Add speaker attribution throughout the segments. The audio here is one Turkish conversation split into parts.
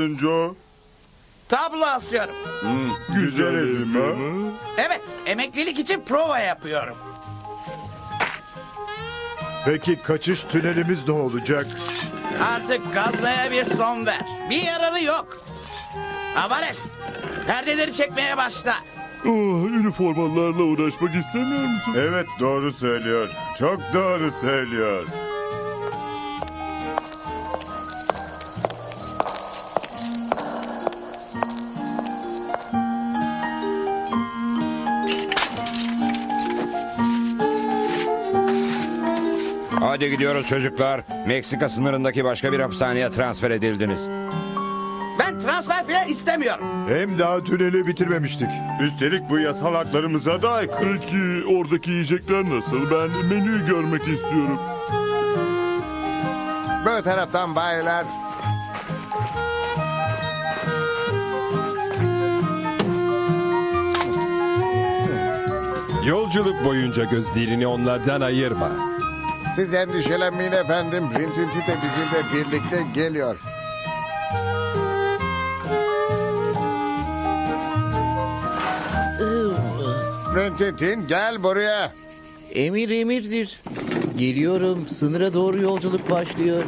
Speaker 1: yapıyorsun Joe?
Speaker 2: Tablo asıyorum.
Speaker 1: Güzel elim ha.
Speaker 2: Evet, emeklilik için prova yapıyorum.
Speaker 3: Peki kaçış tünelimiz ne olacak?
Speaker 2: Artık gazlaya bir son ver. Bir yararı yok. Avares, perdeleri çekmeye başla.
Speaker 4: Üniformalarla uğraşmak istemiyor musun?
Speaker 1: Evet, doğru söylüyor. Çok doğru söylüyor.
Speaker 5: Hadi gidiyoruz çocuklar. Meksika sınırındaki başka bir hapishaneye transfer edildiniz.
Speaker 2: Ben transfer falan istemiyorum.
Speaker 3: Hem daha tüneli bitirmemiştik.
Speaker 1: Üstelik bu yasal haklarımıza da aykırı.
Speaker 4: Peki oradaki yiyecekler nasıl? Ben menüyü görmek istiyorum.
Speaker 6: Bu taraftan baylar.
Speaker 7: Yolculuk boyunca gözlerini onlardan ayırma.
Speaker 6: Siz endişelenmeyin efendim. Rintinti de bizimle birlikte geliyor. Rintintin gel buraya.
Speaker 8: Emir emirdir. Geliyorum. Sınıra doğru yolculuk başlıyor.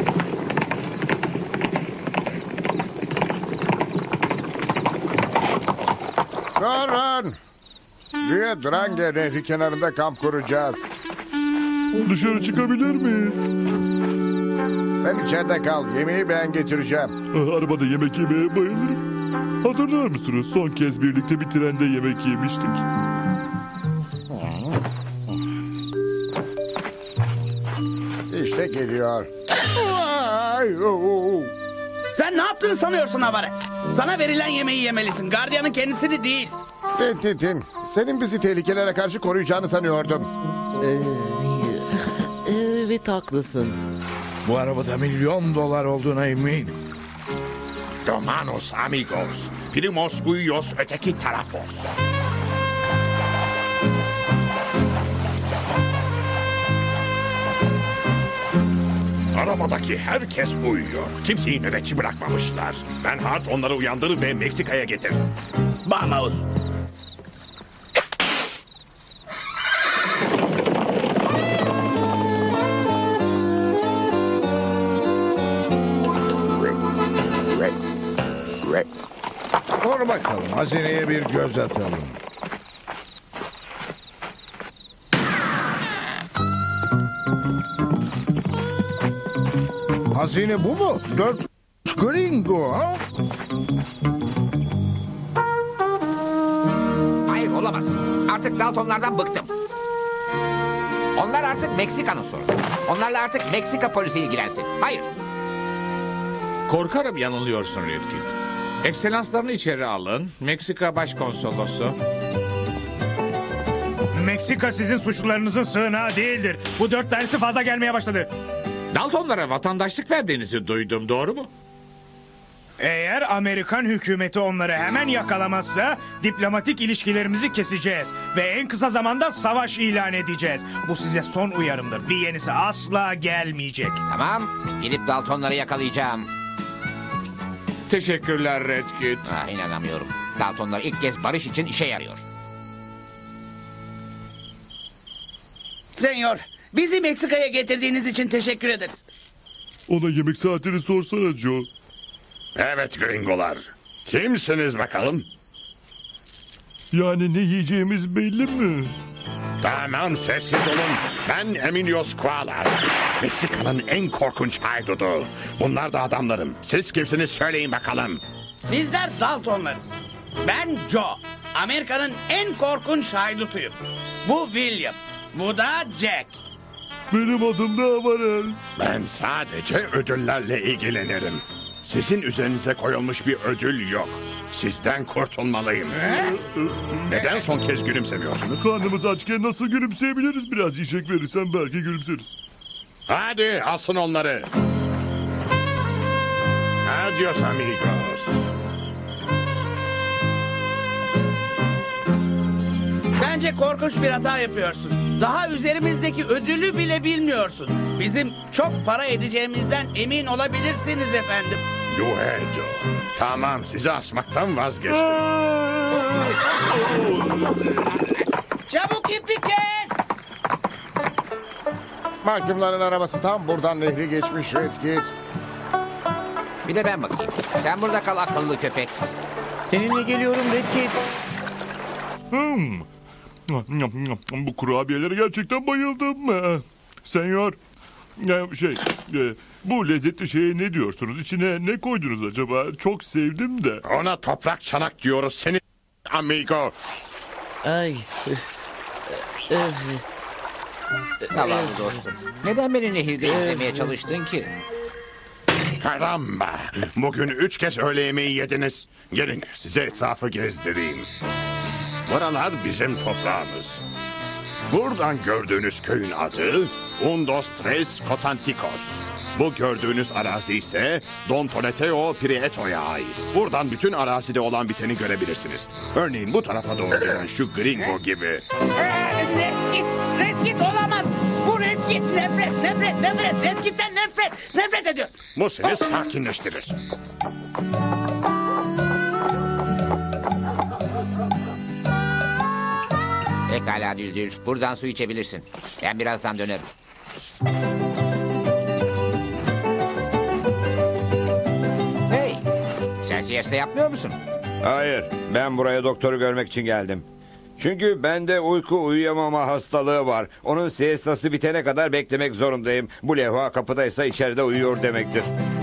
Speaker 6: Durun. Rio Grande Nehri kenarında kamp kuracağız.
Speaker 4: Dışarı çıkabilir miyiz?
Speaker 6: Sen içeride kal. Yemeği ben getireceğim.
Speaker 4: Arabada yemek yemeye bayılırım. Hatırlar mısınız? Son kez birlikte bir trende yemek yemiştik.
Speaker 6: İşte geliyor. Ay, oo.
Speaker 2: Sen ne yaptığını sanıyorsun Avares? Sana verilen yemeği yemelisin. Gardiyanın kendisini değil.
Speaker 6: Rintintin, senin bizi tehlikelere karşı koruyacağını sanıyordum.
Speaker 8: Evet haklısın.
Speaker 9: Bu arabada $1.000.000 olduğuna eminim.
Speaker 10: Hermanos amigos, primos uyos öteki tarafos. Arabadaki herkes uyuyor. Kimseyi nöbetçi bırakmamışlar. Ben Hart onları uyandırır ve Meksika'ya getir.
Speaker 2: Vamos.
Speaker 9: Dur bakalım, hazineye bir göz atalım. Hazine bu mu? 4 gringo ha?
Speaker 11: Hayır olamaz. Artık Daltonlardan bıktım. Onlar artık Meksika'nın sorunu. Onlarla artık Meksika polisi ilgilensin. Hayır.
Speaker 10: Korkarım yanılıyorsun Redkit. Ekselanslarını içeri alın. Meksika Başkonsolosu.
Speaker 12: Meksika sizin suçlularınızın sığınağı değildir. Bu 4 tanesi fazla gelmeye başladı.
Speaker 10: Daltonlara vatandaşlık verdiğinizi duydum, doğru mu?
Speaker 12: Eğer Amerikan hükümeti onları hemen yakalamazsa diplomatik ilişkilerimizi keseceğiz. Ve en kısa zamanda savaş ilan edeceğiz. Bu size son uyarımdır. Bir yenisi asla gelmeyecek.
Speaker 11: Tamam. Gidip Daltonları yakalayacağım.
Speaker 10: Teşekkürler Redkit.
Speaker 11: İnanamıyorum. Daltonlar ilk kez barış için işe yarıyor.
Speaker 2: Senyor, bizi Meksika'ya getirdiğiniz için teşekkür ederiz.
Speaker 4: Ona yemek saatini sorsana Joe.
Speaker 10: Evet gringolar. Kimsiniz bakalım?
Speaker 4: Yani ne yiyeceğimiz belli mi?
Speaker 10: Tamam, sessiz olun. Ben Emilios Kualas. Meksika'nın en korkunç haydudu. Bunlar da adamlarım. Siz kimsiniz söyleyin bakalım.
Speaker 2: Bizler Daltonlarız. Ben Joe. Amerika'nın en korkunç haydutuyum. Bu William. Bu da Jack.
Speaker 4: Benim adım da Avarel.
Speaker 10: Ben sadece ödüllerle ilgilenirim. Sizin üzerinize koyulmuş bir ödül yok. Sizden kurtulmalıyım. Neden son kez gülümsemiyorsunuz?
Speaker 4: Karnımız açken nasıl gülümseyebiliriz? Biraz yiyecek verirsen belki gülümseriz.
Speaker 10: Hadi asın onları. Adios amigos.
Speaker 2: Bence korkunç bir hata yapıyorsun. Daha üzerimizdeki ödülü bile bilmiyorsun. Bizim çok para edeceğimizden emin olabilirsiniz efendim.
Speaker 10: Duedo. Tamam, sizi asmaktan vazgeçtim.
Speaker 2: Çabuk ipi kes.
Speaker 6: Mahkumların arabası tam buradan nehri geçmiş Redkit.
Speaker 11: Bir de ben bakayım. Sen burada kal akıllı köpek.
Speaker 8: Seninle geliyorum Redkit.
Speaker 4: Bu kurabiyelere gerçekten bayıldım. Senyor, bu lezzetli şeye ne diyorsunuz? İçine ne koydunuz acaba? Çok sevdim de.
Speaker 10: Ona toprak çanak diyoruz seni amigo.
Speaker 8: Ay.
Speaker 11: Zavallı dostum. Neden beni nehirde izlemeye çalıştın ki?
Speaker 10: Karamba. Bugün 3 kez öğle yemeği yediniz. Gelin size etrafı gezdireyim. Buralar bizim toprağımız. Buradan gördüğünüz köyün adı Undos Tres Cotanticos. Bu gördüğünüz arazi ise Don Toleteo Prieto'ya ait. Buradan bütün arazide olan biteni görebilirsiniz. Örneğin bu tarafa doğru gelen şu gringo gibi.
Speaker 2: Red Kit olamaz. Bu Red Kit nefret. Red Kit'ten nefret ediyor.
Speaker 10: Bu seni sakinleştirir.
Speaker 11: Pekala Düldül. Buradan su içebilirsin. Ben birazdan dönerim. Hey! Sen siesta yapmıyor musun?
Speaker 5: Hayır, ben buraya doktoru görmek için geldim. Çünkü bende uyku uyuyamama hastalığı var. Onun siestası bitene kadar beklemek zorundayım. Bu levha kapıdaysa içeride uyuyor demektir.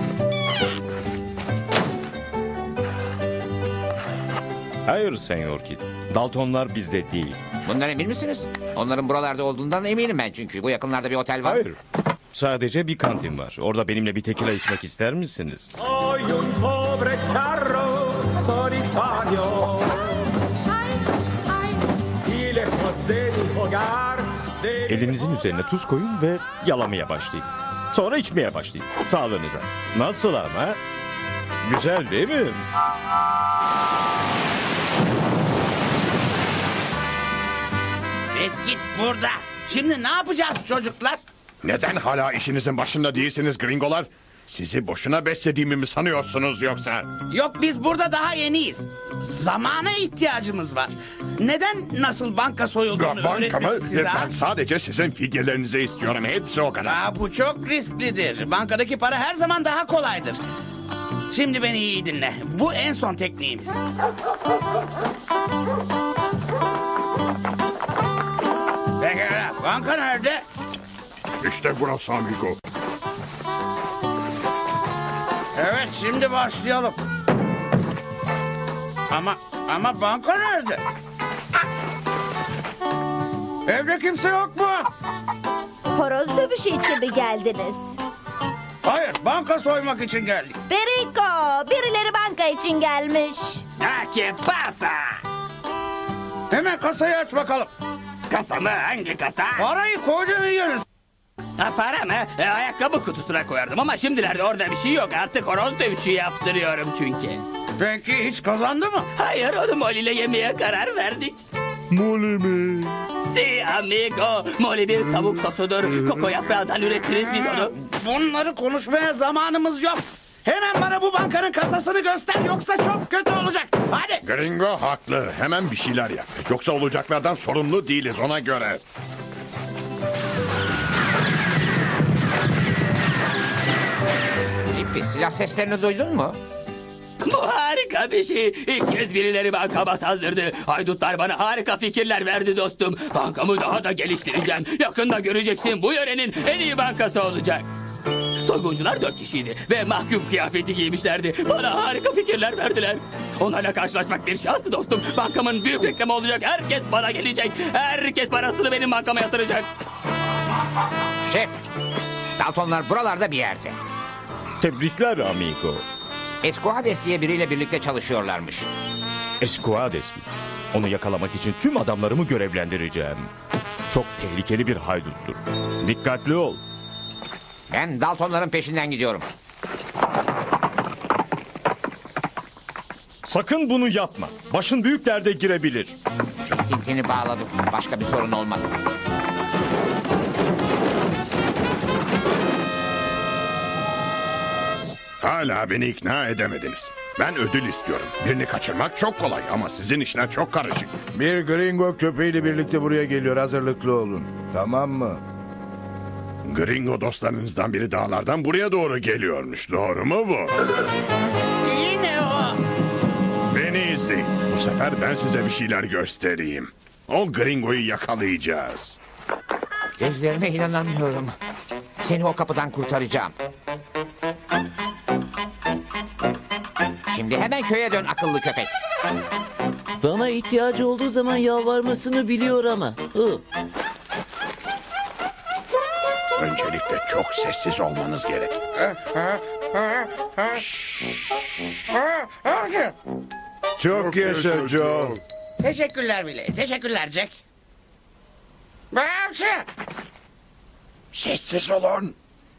Speaker 7: Hayır Senyor Kid. Daltonlar bizde değil.
Speaker 11: Bundan emin misiniz? Onların buralarda olduğundan eminim ben çünkü. Bu yakınlarda bir otel var.
Speaker 7: Hayır. Sadece bir kantin var. Orada benimle bir tekila içmek ister misiniz? Elinizin üzerine tuz koyun ve yalamaya başlayın. Sonra içmeye başlayın. Sağlığınıza. Nasıl ama? Güzel değil mi?
Speaker 2: Red Kit burada. Şimdi ne yapacağız çocuklar?
Speaker 10: Neden hala işinizin başında değilsiniz gringolar? Sizi boşuna beslediğimi mi sanıyorsunuz yoksa?
Speaker 2: Yok biz burada daha yeniyiz. Zamana ihtiyacımız var. Neden nasıl banka soyulduğunu
Speaker 10: Banka mı?
Speaker 2: öğretmek size?
Speaker 10: Ben sadece sizin fidyelerinizi istiyorum. Hepsi o kadar.
Speaker 2: Bu çok risklidir. Bankadaki para her zaman daha kolaydır. Şimdi beni iyi dinle. Bu en son tekniğimiz. Pekala. Banka nerede?
Speaker 10: İşte burası amigo.
Speaker 2: Evet şimdi başlayalım. Ama banka nerede? Evde kimse yok mu?
Speaker 13: Horoz dövüşü için mi geldiniz?
Speaker 2: Hayır, banka soymak için geldik.
Speaker 13: Perico, birileri banka için gelmiş.
Speaker 2: ¿Qué pasa? Hemen kasayı aç bakalım.
Speaker 14: Kasa mı? Hangi kasa?
Speaker 2: Parayı koyduğun yeriz.
Speaker 14: Para mı? Ayakkabı kutusuna koyardım ama şimdilerde orada bir şey yok. Artık horoz dövüşü yaptırıyorum çünkü.
Speaker 2: Peki hiç kazandı mı?
Speaker 14: Hayır, onu Molly ile yemeye karar verdik.
Speaker 4: Molly mi?
Speaker 14: Si amigo. Molly bir tavuk sosudur. Koko yaprağından üretiriz biz onu.
Speaker 2: Bunları konuşmaya zamanımız yok. Hemen bana bu bankanın kasasını göster yoksa çok kötü olacak. Hadi.
Speaker 10: Gringo haklı. Hemen bir şeyler yap. Yoksa olacaklardan sorumlu değiliz ona göre.
Speaker 11: Filipi, silah seslerini duydun mu?
Speaker 14: Bu harika bir şey. İlk kez birileri bankama saldırdı. Haydutlar bana harika fikirler verdi dostum. Bankamı daha da geliştireceğim. Yakında göreceksin, bu yörenin en iyi bankası olacak. Soyguncular 4 kişiydi ve mahkum kıyafeti giymişlerdi. Bana harika fikirler verdiler. Onlarla karşılaşmak bir şanstı dostum. Bankamın büyük reklamı olacak. Herkes bana gelecek. Herkes parasını benim bankama yatıracak.
Speaker 11: Şef, Daltonlar buralarda bir yerde.
Speaker 7: Tebrikler amigo.
Speaker 11: Esquades diye biriyle birlikte çalışıyorlarmış.
Speaker 7: Esquades mi? Onu yakalamak için tüm adamlarımı görevlendireceğim. Çok tehlikeli bir hayduttur. Dikkatli ol.
Speaker 11: Ben Daltonların peşinden gidiyorum.
Speaker 7: Sakın bunu yapma. Başın büyük derde girebilir.
Speaker 11: Tintini bağladım. Başka bir sorun olmaz.
Speaker 10: Hala beni ikna edemediniz. Ben ödül istiyorum. Birini kaçırmak çok kolay ama sizin işler çok karışık.
Speaker 9: Bir gringo köpeğiyle birlikte buraya geliyor. Hazırlıklı olun. Tamam mı?
Speaker 10: Gringo dostlarınızdan biri dağlardan buraya doğru geliyormuş. Doğru mu bu?
Speaker 2: Yine o.
Speaker 10: Beni izleyin. Bu sefer ben size bir şeyler göstereyim. O gringoyu yakalayacağız.
Speaker 11: Gözlerime inanamıyorum. Seni o kapıdan kurtaracağım. Şimdi hemen köye dön akıllı köpek.
Speaker 8: Bana ihtiyacı olduğu zaman yalvarmasını biliyor ama.
Speaker 10: Öncelikle çok sessiz olmanız gerek.
Speaker 3: Çok yaşa Joe.
Speaker 2: Teşekkürler bile. Teşekkürler Jack.
Speaker 10: Sessiz olun.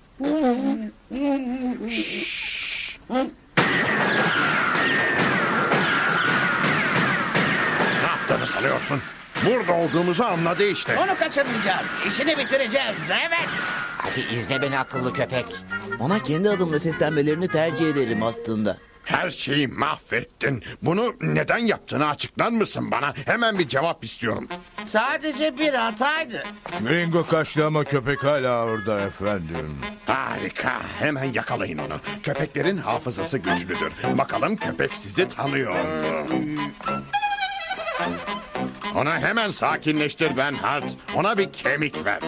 Speaker 10: Ne yaptığını sanıyorsun? Burada olduğumuzu anladı işte.
Speaker 2: Onu kaçırmayacağız. İşini bitireceğiz. Evet.
Speaker 11: Hadi izle beni akıllı köpek.
Speaker 8: Ona kendi adımla seslenmelerini tercih ederim aslında.
Speaker 10: Her şeyi mahvettin. Bunu neden yaptığını açıklar mısın bana? Hemen bir cevap istiyorum.
Speaker 2: Sadece bir hataydı.
Speaker 9: Gringo kaçtı ama köpek hala orada efendim.
Speaker 10: Harika. Hemen yakalayın onu. Köpeklerin hafızası güçlüdür. Bakalım köpek sizi tanıyor mu? Onu hemen sakinleştir Bernhard. Ona bir kemik ver.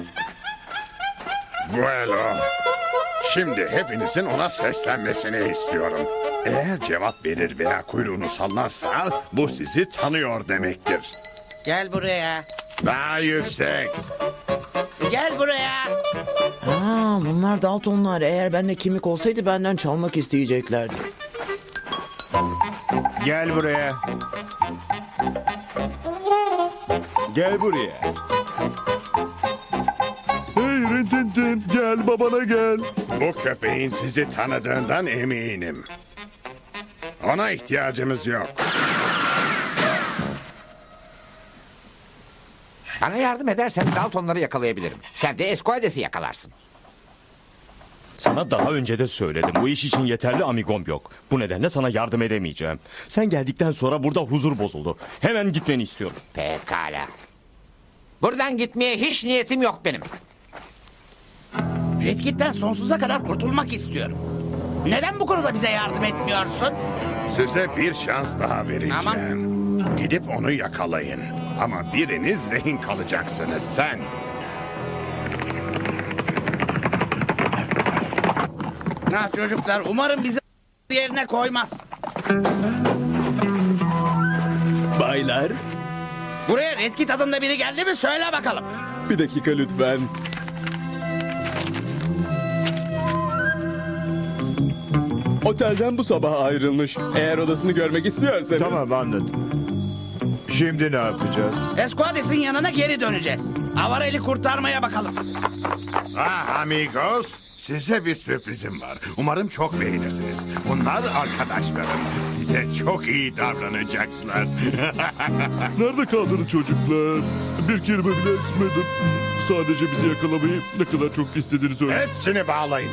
Speaker 10: Bueno. Şimdi hepinizin ona seslenmesini istiyorum. Eğer cevap verir veya kuyruğunu sallarsa bu sizi tanıyor demektir.
Speaker 2: Gel buraya.
Speaker 10: Daha yüksek.
Speaker 2: Gel buraya.
Speaker 8: Bunlar Daltonlar. Eğer bende kimlik olsaydı benden çalmak isteyeceklerdi.
Speaker 3: Gel buraya. Gel buraya.
Speaker 4: Hey Rintintin gel babana gel.
Speaker 10: Bu köpeğin sizi tanıdığından eminim. Ona ihtiyacımız yok.
Speaker 11: Bana yardım edersen Daltonları yakalayabilirim. Sen de Esquades'i yakalarsın.
Speaker 7: Sana daha önce de söyledim. Bu iş için yeterli amigom yok. Bu nedenle sana yardım edemeyeceğim. Sen geldikten sonra burada huzur bozuldu. Hemen gitmeni istiyorum.
Speaker 11: Pekala. Buradan gitmeye hiç niyetim yok benim.
Speaker 2: Red Kit'ten sonsuza kadar kurtulmak istiyorum. Neden bu konuda bize yardım etmiyorsun?
Speaker 10: Size bir şans daha vereceğim.
Speaker 2: Aman.
Speaker 10: Gidip onu yakalayın. Ama biriniz rehin kalacaksınız sen.
Speaker 2: Çocuklar umarım bizi yerine koymaz.
Speaker 15: Baylar,
Speaker 2: Buraya Red Kit adında biri geldi mi söyle bakalım.
Speaker 15: bir dakika lütfen. Otelden bu sabah ayrılmış. Eğer odasını görmek istiyorsanız...
Speaker 3: Tamam anladım. Şimdi ne yapacağız?
Speaker 2: Esquades'in yanına geri döneceğiz. Avarel'i kurtarmaya bakalım.
Speaker 10: Ah amigos, size bir sürprizim var. Umarım çok beğenirsiniz. Bunlar arkadaşlarım. Size çok iyi davranacaklar.
Speaker 4: Nerede kaldınız çocuklar? Bir kelime bile etmedim. Sadece bizi yakalamayı ne kadar çok istediğini söyle.
Speaker 10: Hepsini bağlayın.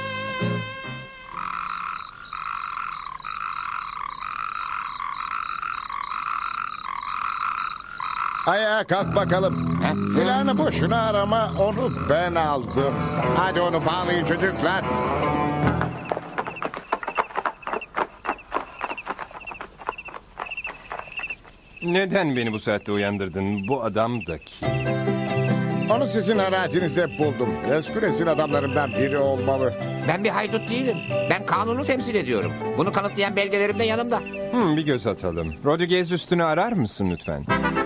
Speaker 6: Ayağa kalk bakalım. Silahını boşuna arama, onu ben aldım. Hadi onu bağlayın çocuklar.
Speaker 16: Neden beni bu saatte uyandırdın? Bu adam da kim?
Speaker 6: Onu sizin arazinizde buldum. Esquades'in adamlarından biri olmalı.
Speaker 11: Ben bir haydut değilim. Ben kanunu temsil ediyorum. Bunu kanıtlayan belgelerim de yanımda.
Speaker 16: Bir göz atalım. Rodriguez üstünü arar mısın lütfen?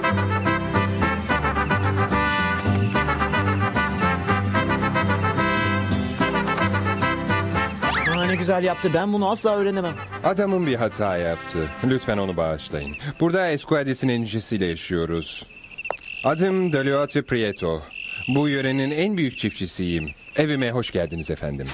Speaker 8: Ne güzel yaptı. Ben bunu asla öğrenemem.
Speaker 16: Adamın bir hata yaptı. Lütfen onu bağışlayın. Burada Esquades'in endişesiyle yaşıyoruz. Adım Deliotte Prieto. Bu yörenin en büyük çiftçisiyim. Evime hoş geldiniz efendim.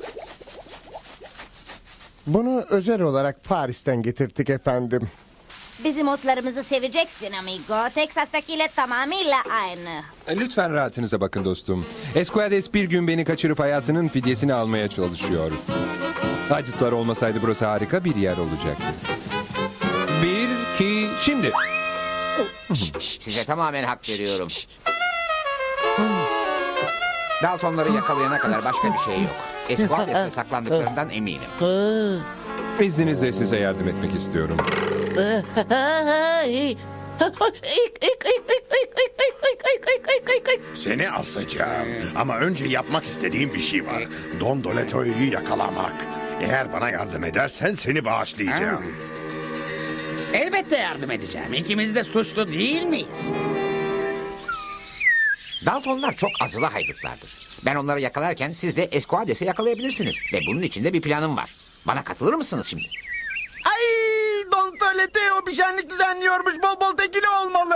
Speaker 6: Bunu özel olarak Paris'ten getirttik efendim.
Speaker 13: Bizim otlarımızı seveceksin amigo. Texas'takiyle tamamıyla aynı.
Speaker 16: Lütfen rahatınıza bakın dostum. Esquades bir gün beni kaçırıp hayatının fidyesini almaya çalışıyor. Haydutlar olmasaydı burası harika bir yer olacaktı. 1, 2, şimdi.
Speaker 11: Size tamamen hak veriyorum. Daltonları yakalayana kadar başka bir şey yok. Esquades'te saklandıklarından eminim.
Speaker 16: İzninizle size yardım etmek istiyorum.
Speaker 10: Seni asacağım. Ama önce yapmak istediğim bir şey var. Don Doleto'yu yakalamak. Eğer bana yardım edersen seni bağışlayacağım.
Speaker 2: Elbette yardım edeceğim. İkimiz de suçlu değil miyiz?
Speaker 11: Daltonlar çok azılı haydutlardır. Ben onları yakalarken siz de Esquades'i yakalayabilirsiniz. Ve bunun için de bir planım var. Bana katılır mısınız şimdi?
Speaker 17: Ay, Don Toleteo bir şenlik düzenliyormuş. Bol bol tekili olmalı.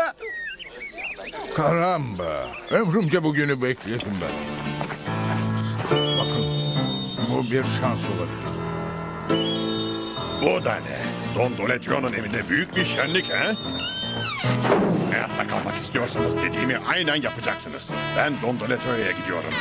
Speaker 9: Karamba. Ömrümce bugünü bekledim ben. Bakın. Bu bir şans olabilir.
Speaker 10: Bu da ne? Don Doletio'nun evinde büyük bir şenlik he? Hayatta kalmak istiyorsanız dediğimi aynen yapacaksınız. Ben Don Doletio'ya gidiyorum.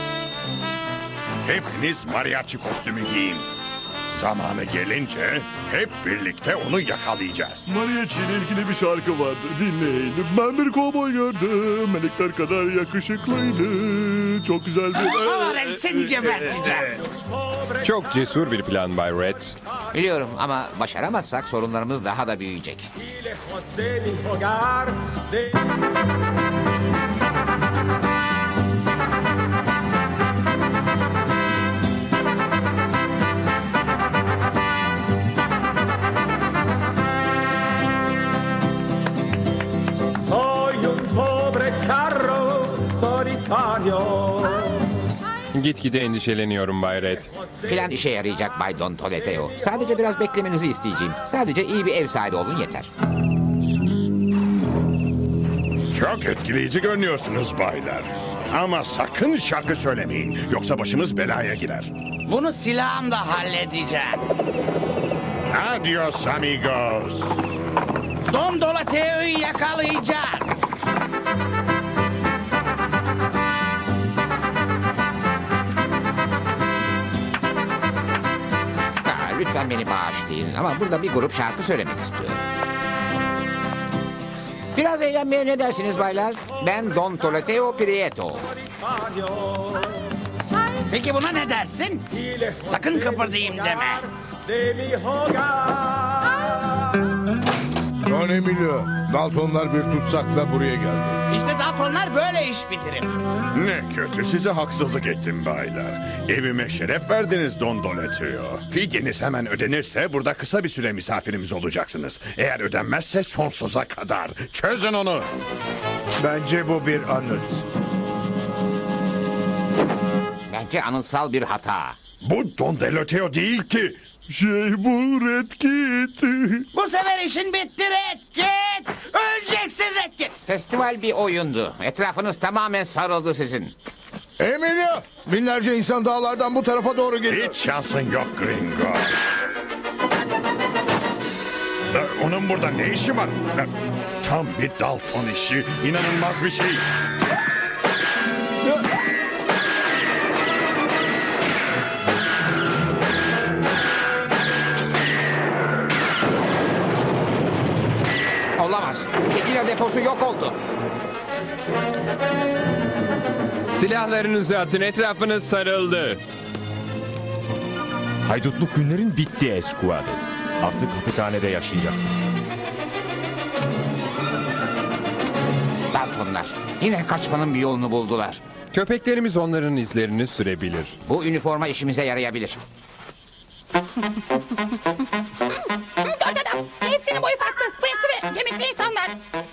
Speaker 10: Hepiniz mariachi kostümü giyin. Zamanı gelince hep birlikte onu yakalayacağız.
Speaker 4: Mariachi ile ilgili bir şarkı vardı. Dinleyin. Ben bir kovboy gördüm. Melekler kadar yakışıklıydı. Çok güzel bir...
Speaker 2: Seni geberteceğim.
Speaker 16: Çok cesur bir plan Bay Red.
Speaker 11: Biliyorum ama başaramazsak sorunlarımız daha da büyüyecek.
Speaker 18: Soy un pobre charro solitario.
Speaker 16: Gitgide endişeleniyorum Bay Red.
Speaker 11: Plan işe yarayacak Bay Don Toleteo. Sadece biraz beklemenizi isteyeceğim. Sadece iyi bir ev sahibi olun yeter.
Speaker 10: Çok etkileyici görünüyorsunuz baylar. Ama sakın şarkı söylemeyin. Yoksa başımız belaya girer.
Speaker 2: Bunu silahımla halledeceğim.
Speaker 10: Adios amigos.
Speaker 2: Don Dolateo'yu yakalayacağız.
Speaker 11: Lütfen beni bağışlayın ama burada bir grup şarkı söylemek istiyorum. Biraz eğlenmeye ne dersiniz baylar? Ben Don Toleteo Prieto.
Speaker 2: Peki buna ne dersin? Sakın kıpırdayım deme.
Speaker 9: Don Emilio, Daltonlar bir tutsakla buraya geldi.
Speaker 2: İşte Daltonlar böyle iş bitirir.
Speaker 10: Ne kötü size haksızlık ettim baylar. Evime şeref verdiniz Don Doletio. Fidyeniz hemen ödenirse burada kısa bir süre misafirimiz olacaksınız. Eğer ödenmezse sonsuza kadar. Çözün onu.
Speaker 3: Bence bu bir anıt.
Speaker 11: Bence anıtsal bir hata.
Speaker 10: Bu Don Doletio değil ki.
Speaker 4: Bu Red Kit.
Speaker 2: Bu sefer işin bitti Red Kit. Öleceksin Red Kit.
Speaker 11: Festival bir oyundu. Etrafınız tamamen sarıldı sizin.
Speaker 9: Emilio, binlerce insan dağlardan bu tarafa doğru geliyor.
Speaker 10: Hiç şansın yok Gringo. Onun burada ne işi var? Tam bir Dalton işi. İnanılmaz bir şey.
Speaker 11: Olamaz. Tekila deposu yok oldu.
Speaker 16: Silahlarınızı atın, etrafınız sarıldı.
Speaker 7: Haydutluk günlerin bitti Esquades. Artık hapishanede yaşayacaksın.
Speaker 11: Daltonlar yine kaçmanın bir yolunu buldular.
Speaker 16: Köpeklerimiz onların izlerini sürebilir.
Speaker 11: Bu üniforma işimize yarayabilir.
Speaker 19: Dört adam. Hepsinin boyu farklı. Bıyıklı ve kemikli insanlar.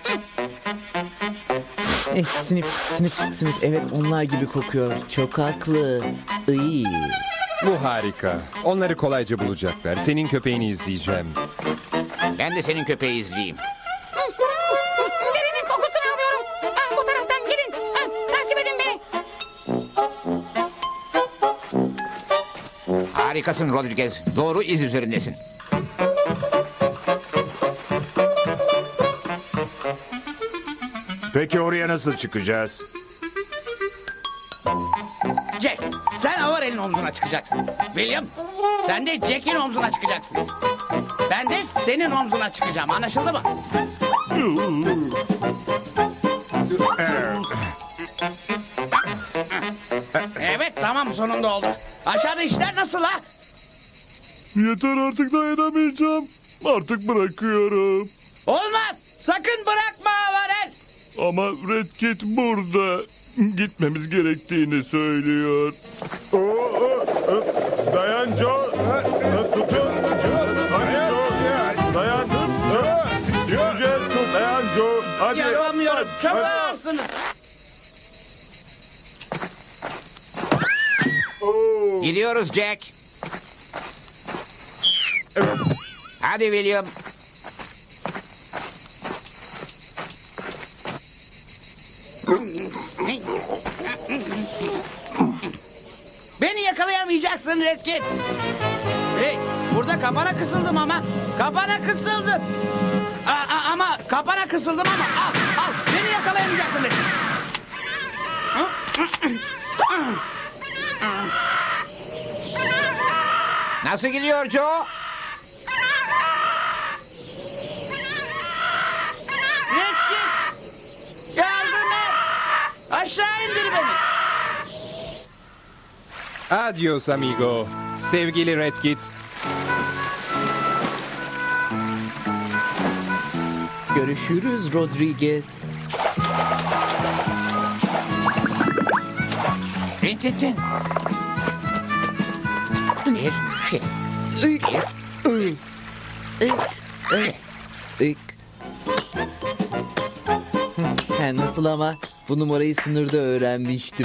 Speaker 8: Sınıf. Evet onlar gibi kokuyor. Çok haklı. Iy.
Speaker 16: Bu harika. Onları kolayca bulacaklar. Senin köpeğini izleyeceğim.
Speaker 11: Ben de senin köpeği izleyeyim.
Speaker 19: Birinin kokusunu alıyorum. Bu taraftan gidin. Takip edin beni.
Speaker 11: Harikasın Rodriguez. Doğru iz üzerindesin.
Speaker 3: Peki oraya nasıl çıkacağız?
Speaker 2: Jack, sen Avarel'in omzuna çıkacaksın. William, sen de Jack'in omzuna çıkacaksın. Ben de senin omzuna çıkacağım. Anlaşıldı mı? Evet, tamam, sonunda oldu. Aşağıda işler nasıl ha?
Speaker 4: Yeter, artık dayanamayacağım. Artık bırakıyorum.
Speaker 2: Olmaz. Sakın bırakma Avarel.
Speaker 4: Ama Red Kit burada. Gitmemiz gerektiğini söylüyor.
Speaker 3: Dayan Joe. Tutun. Hadi Joe. Dayan. Düşeceğiz. Dayan Joe. Hadi.
Speaker 2: Yapamıyorum. Çok ağırsınız.
Speaker 11: Gidiyoruz Jack. Hadi William.
Speaker 2: Beni yakalayamayacaksın Red Kit. Hey, burada kapana kısıldım ama. Kapana kısıldım. Ama kapana kısıldım ama. Al. Beni yakalayamayacaksın Red Kit.
Speaker 11: Nasıl gidiyor Joe?
Speaker 2: Red Kit. Yardım et. Aşağı indir beni.
Speaker 16: Adios amigo. Sevgili Red Kit.
Speaker 8: Görüşürüz Rodriguez.
Speaker 11: Rintintin. Bir şey.
Speaker 8: Nasıl ama? Bu numarayı sınırda öğrenmiştim.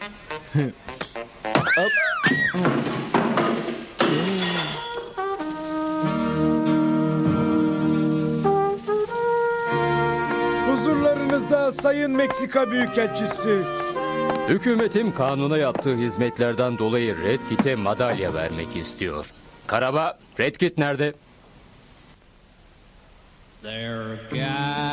Speaker 8: Hop.
Speaker 12: Huzurlarınızda Sayın Meksika Büyükelçisi.
Speaker 20: Hükümetim kanuna yaptığı hizmetlerden dolayı Red Kit'e madalya vermek istiyor. Karaba, Red Kit nerede?
Speaker 21: There, guys.